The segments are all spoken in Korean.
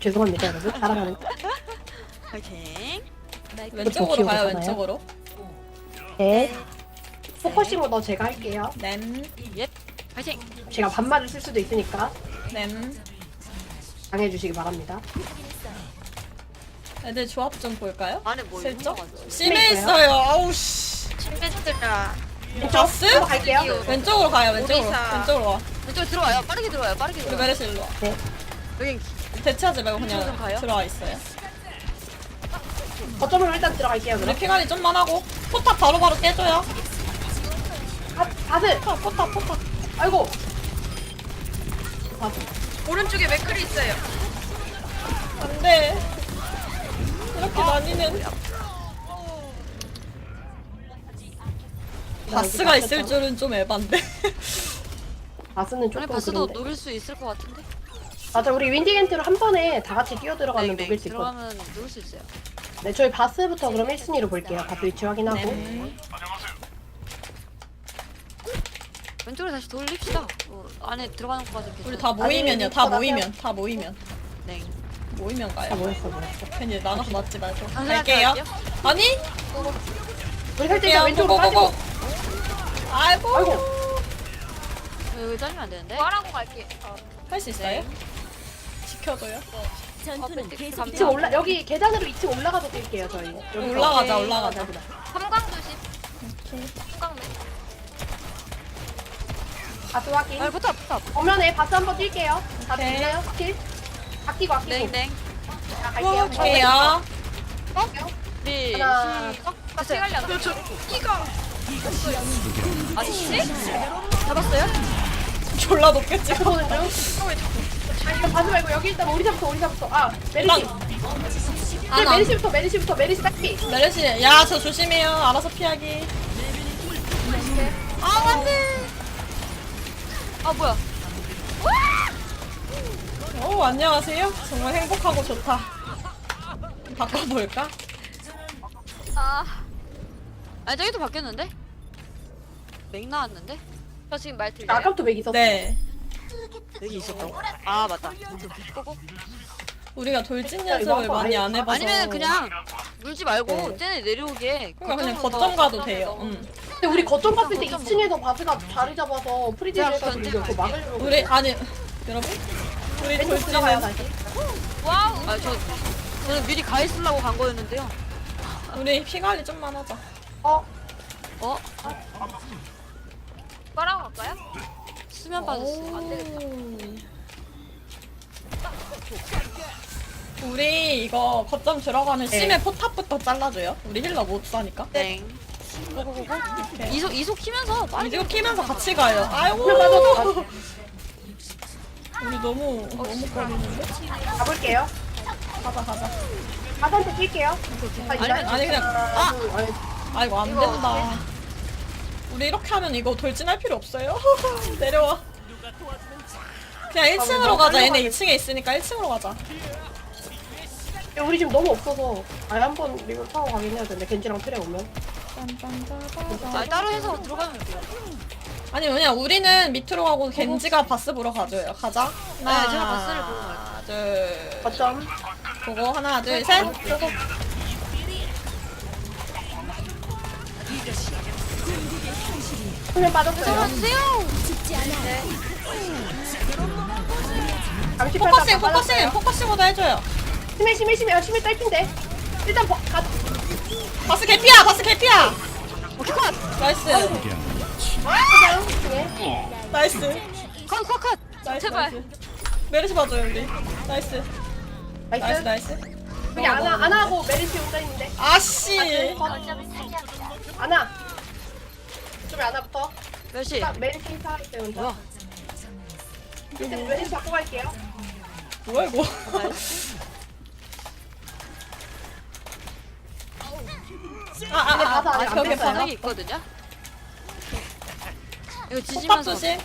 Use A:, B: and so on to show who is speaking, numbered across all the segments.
A: 죄송합니다 여러분. 따라가는 거.
B: 파이팅.
C: 왼쪽으로 가요,
A: 귀여우잖아요.
C: 왼쪽으로.
A: 네. 포커싱 오더 제가 할게요.
C: 냄,
B: 예. 파이팅.
A: 제가 반말을 쓸 수도 있으니까
C: 냄.
A: 당해주시기 바랍니다.
C: 애들 조합 좀 볼까요?
B: 안에 뭐
C: 슬쩍?
B: 있는
C: 심해 있어요. 아우 씨.
B: 친구들아.
C: 바스?
A: 왼쪽으로 갈게요.
C: 왼쪽으로 가요, 왼쪽으로.
B: 오리사.
C: 왼쪽으로 와.
B: 왼쪽 들어와요. 빠르게 들어와요. 빠르게
C: 우리
B: 들어와요.
C: 메르시 일로 와.
B: 여기
C: 대체하지 말고
B: 왼쪽으로
C: 그냥
B: 가요?
C: 들어와 있어요.
A: 거점으로 일단 들어갈게요.
C: 우리
A: 그럼.
C: 피관리 좀만 하고. 포탑 바로바로 깨줘요.
A: 바스.
C: 포탑.
A: 아이고. 바스.
B: 오른쪽에 맥클이 있어요.
C: 안 돼. 이렇게 나뉘면. 바스가 있을 줄은 좀 에반데.
A: 바스는
B: 아니
A: 조금
B: 바스도
A: 그런데.
B: 녹일 수 있을 것 같은데.
A: 맞아 우리 윈디겐트로 한 번에 다 같이 뛰어 들어가면
B: 네,
A: 녹일 수 있거든.
B: 들어가면 녹일 수 있어요.
A: 네 저희 바스부터 그럼 1순위로 볼게요. 바스 위치 확인하고.
C: 네.
B: 왼쪽으로 다시 돌립시다. 안에 들어가는 것까지.
C: 우리 다 모이면요. 다 모이면. 다 모이면.
B: 네.
C: 모이면
A: 다
C: 가요.
A: 모였어.
C: 괜히 나가서 맞지 말고.
B: 당신한테
C: 갈게요.
B: 갈게요?
C: 아니?
A: 우리 살짝
C: 갈게요.
A: 왼쪽으로 빠지고.
C: 고고고고. 아이고.
A: 아이고.
B: 여기 잘리면 안 되는데.
D: 말하고 갈게.
C: 할 수 있어요? 지켜줘요.
D: 전투는 계속
A: 2층 올라 여기 계단으로 2층 올라가서 뛸게요 저희. 여기서.
C: 올라가자, 올라가자.
D: 삼광 조심. 삼광
A: 바스 확인.
B: 아 포탑.
A: 정면에 바스 한번 뛸게요. 바스
C: 오케이.
A: 있나요? 스킬? 아끼고 아끼고.
B: 땡땡.
A: 자 갈게요.
C: 갈게요.
B: 네.
A: 하나.
D: 같이 갈려.
B: 아저씨? 잡았어요?
C: 졸라 높겠지.
A: 보는 중. 일단 바스 말고 여기 일단 오리사부터. 아 메리시. 네,
C: 하나.
A: 메리시부터 메리시 딱히.
C: 메르시. 야, 저 조심해요. 알아서 피하기.
B: 아 안돼. 아 뭐야?
C: 오, 안녕하세요. 정말 행복하고 좋다. 바꿔볼까?
B: 아니 저기도 바뀌었는데? 맥 나왔는데?
D: 저 지금 말 들려요?
A: 아까부터 맥 있었어.
C: 네.
B: 맥이 있었다고? 아 맞다. 끄고.
C: 우리가 돌진
A: 이거
C: 연습을
A: 한번
C: 많이
A: 아예-
C: 안 해봐서.
B: 아니면 그냥 물지 말고
A: 네.
B: 쟤네 내려오게.
C: 그러니까 그냥
B: 거점으로
C: 거점
B: 더-
C: 가도 돼요.
A: 근데 우리 거점 갔을 때
B: 거점
A: 2층에서 바스가 자리 잡아서 프리딜
B: 내가
A: 해가지고
B: 견제
A: 이거 그거 막으려고.
C: 우리 아니 여러분 우리
A: 왼쪽 들어가요
C: 돌진은
A: 다시.
D: 와우.
B: 아 저는 미리 가 있으려고 간 거였는데요.
C: 우리 피 관리 좀만 하자.
A: 어?
B: 어?
D: 말하고 갈까요?
B: 수면 빠졌어요.
D: 안 되겠다.
C: 우리 이거 거점 들어가면
A: 네.
C: 심해 포탑부터 잘라줘요. 우리 힐러 못 사니까.
B: 땡.
C: 오케이.
B: 이속 키면서 빨리.
C: 이거 키면서 같이 가요. 아이고.
A: 그냥 빠져서
C: 우리 너무 거리는데.
A: 가볼게요.
C: 가자.
A: 바스한테 뛸게요.
C: 아니 그냥
A: 아니,
C: 아이고 안 된다. 우리 이렇게 하면 이거 돌진할 필요 없어요. 내려와. 그냥 1층으로 가자. 얘네 2층에 있으니까 1층으로 가자.
A: 우리 지금 너무 없어서 아예 한번 리본 타고 가긴 해야 되는데 겐지랑 트레 오면.
B: 아 따로 해서 들어가면 돼요.
C: 아니 그냥 우리는 밑으로 가고 겐지가 바스 보러 가줘요. 가자.
B: 네, 제가 바스를 보러 갈게요.
C: 하나, 둘,
A: 거점.
C: 보고 하나, 둘, 셋. 보고.
A: 수면 빠졌어요.
B: 들어가주세요.
A: 잠시
C: 포커싱보다 해줘요.
A: 심해 딸핀데. 일단
C: 바스 개피야,
B: 오케이 컷.
C: 나이스,
A: 가자요. 중에.
C: 나이스,
B: 컷.
C: 나이스.
D: 제발.
C: 나이스. 메르시 봐줘요 우리. 나이스, 나이스.
A: 여기 안하고 메리시 혼자 있는데.
C: 아씨.
A: 안하. 좀 안하부터.
B: 몇 시?
A: 딱 메리시 살아있어요 혼자.
B: 뭐야?
A: 일단 메리시 바꿔 갈게요.
C: 뭐야 이거?
A: 가서 아직 안
C: 벽에
A: 뺐어요.
C: 박아.
B: 바닥이 있거든요. 이거
C: 포탑
B: 지지면서.
C: 조심.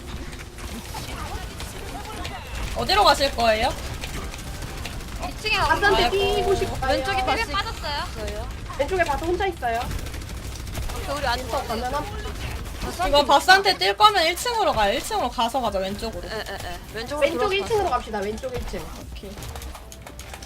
C: 어디로 가실 거예요?
D: 2층에 가고
A: 바스한테
C: 아이고.
A: 뛰고 싶어요.
B: 왼쪽에 바스.
D: 힐 빠졌어요.
B: 있어요.
A: 왼쪽에 바스 혼자 있어요.
D: 우리 안
A: 또 가면 한
C: 이거 바스한테 뛸 거면 1층으로 가요. 1층으로 가서 가자 왼쪽으로.
B: 왼쪽으로
A: 왼쪽
B: 돌아서
A: 1층으로 갑시다. 왼쪽 1층.
C: 오케이.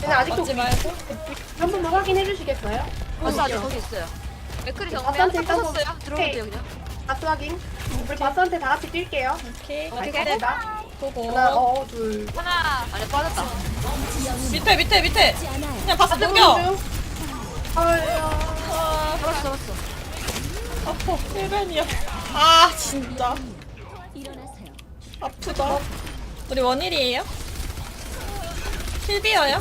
A: 얘네 아직도
C: 맞지 말고.
A: 한 번만 확인해 주시겠어요?
B: 바스 아직 거기 있어요.
D: 맥크리 정면.
A: 바스한테 일단
B: 터졌어요. 들어오면 돼요 그냥.
A: 바스 확인. 우리 바스한테 다 같이 뛸게요.
C: 오케이.
A: 갈게요.
C: 보고.
A: 하나, 둘.
D: 하나.
B: 안에 빠졌다.
C: 밑에. 그냥 바스 당겨. 아,
B: 잡았어.
C: 아파. 1벤이야. 아, 진짜. 아프다. 우리 원일이에요? 힐비어요?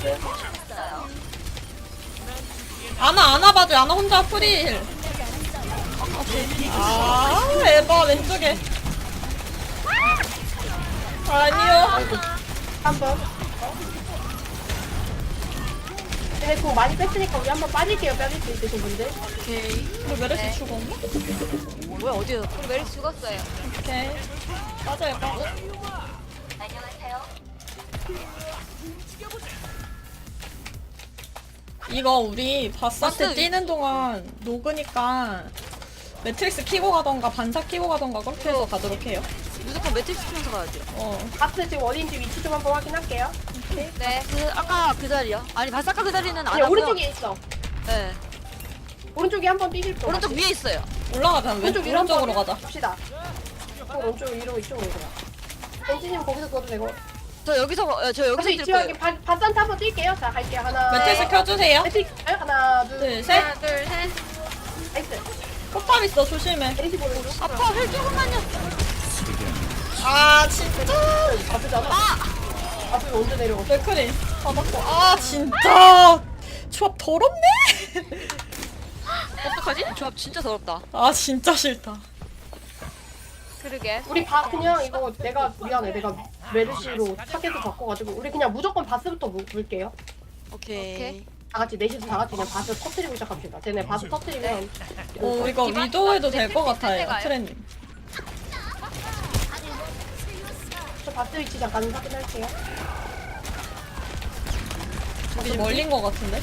C: 아나 봐줘. 아나 혼자 프리힐. 아, 에바 왼쪽에. 아니요.
A: 한번. 얘네 공 많이 뺐으니까 우리 한번 빠질게요. 빠질 수 있으신 분들.
B: 오케이.
C: 우리 메르시 죽었나?
B: 뭐야 어디야?
D: 우리 메리 죽었어요.
C: 오케이. 빠져요. 이거 우리 바스한테
B: 바스
C: 뛰는 동안 녹으니까 매트릭스 키고 가던가 반사 키고 가던가 그렇게 해서 가도록 해요.
B: 무조건 매트릭스 키면서 가야 돼요.
A: 바스 지금 어디인지 위치 좀 한번 확인할게요.
D: 네.
B: 아까 그 자리요? 아니 바스 아까 그 자리는 안
A: 그냥
B: 하고요.
A: 오른쪽에 있어.
B: 네.
A: 오른쪽에 한번 뛰실 거.
B: 오른쪽 위에 있어요.
C: 올라가자.
A: 오른쪽 위로
C: 오른쪽으로
A: 한번
C: 가자.
A: 봅시다. 오른쪽 위로 이쪽으로 오자. 엔지님 거기서 써도 되고.
B: 저 여기서
A: 그래서
B: 뛸
A: 이치
B: 거예요.
A: 확인. 바스한테 한번 뛸게요. 자 갈게요. 하나.
C: 매트릭스 켜주세요.
A: 매트릭스 하나, 둘,
C: 둘, 셋.
D: 하나, 둘, 셋.
A: 나이스.
C: 꽃밥 있어. 조심해.
A: 에리시 보는 중.
B: 아파 힐 조금만요.
C: 아, 진짜.
A: 아프잖아. 아프 언제 내려갔어?
C: 맥크리 받았고. 아, 진짜. 조합 더럽네.
B: 어떡하지? 조합 진짜 더럽다.
C: 아, 진짜 싫다.
D: 그러게.
A: 우리 그냥 이거 내가 미안해. 내가 메르시로 타겟을 바꿔가지고 우리 그냥 무조건 바스부터 물게요.
B: 오케이.
A: 다 같이 넷이서 다 같이 그냥 바스 터트리고 시작합시다. 쟤네 바스 터트리면
C: 오, 이거 위도 해도 될 것 같아요. 트렌님.
A: 저 바스 위치 잠깐 확인할게요.
C: 저기 멀린 것 같은데?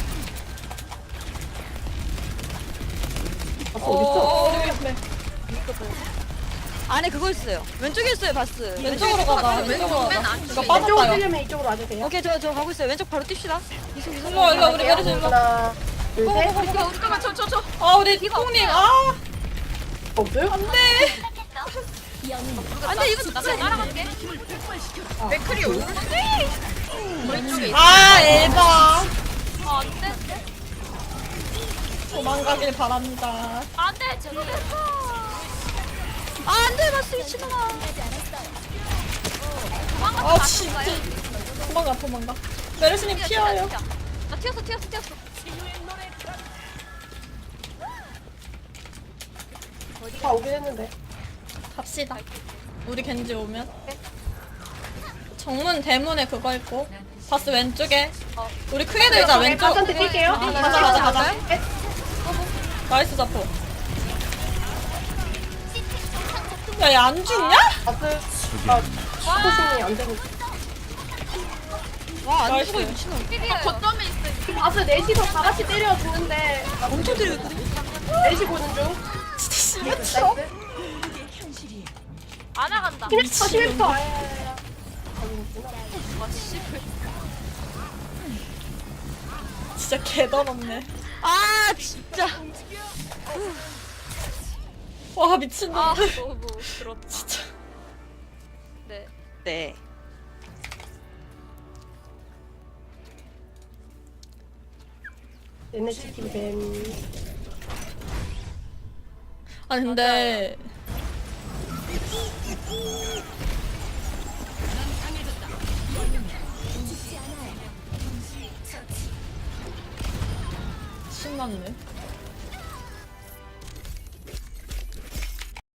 A: 바스 어딨어?
C: 우리 옆에.
B: 안에 그거 있어요. 왼쪽에 있어요 바스.
C: 왼쪽으로 가자. 왼쪽으로 가자. 이거 빠졌다,
A: 이쪽으로
C: 야.
A: 뛰려면 이쪽으로 와주세요.
B: 오케이 저 가고 있어요. 왼쪽 바로 뜁시다. 이승.
C: 일로 와, 우리 메르시 일로 와.
A: 하나, 둘, 셋.
D: 우리가 저.
C: 아, 우리 콩님. 아,
A: 없어요?
C: 안 돼.
B: 안돼 이거
D: 나
B: 진짜.
D: 따라갈게.
A: 맥크리
C: 아, 에바.
D: 안 돼.
C: 도망가길 바랍니다.
D: 안 돼. 잘못했어.
B: 안돼 바스 미친놈아.
C: 아, 진짜. 도망가. 메르시님 튀어요.
D: 나 튀었어.
A: 다 오긴 했는데.
C: 갑시다. 우리 겐지 오면. 정문 대문에 그거 있고. 바스 왼쪽에. 우리 크게 들자, 왼쪽.
A: 바스한테 뛸게요.
C: 가자.
A: 셋.
C: 나이스 자포. 야, 얘 안 죽냐?
A: 바스. 스포싱이 안 되고.
B: 와안
C: 나이스.
B: 죽어 이 미친놈.
D: 거점에 있어.
A: 바스 넷이서 다 같이 때려 죽는데.
B: 엄청 때리거든요.
A: 넷이 보는 중. 나이스.
D: 안 나간다.
A: 11퍼.
C: 진짜 개더럽네.
B: 아 진짜.
C: 와, 미친놈.
D: 아, 너무 그렇다.
C: 진짜.
D: 네.
B: 네.
A: 얘네 치킨 뱀.
C: 아니, 근데. 신났네.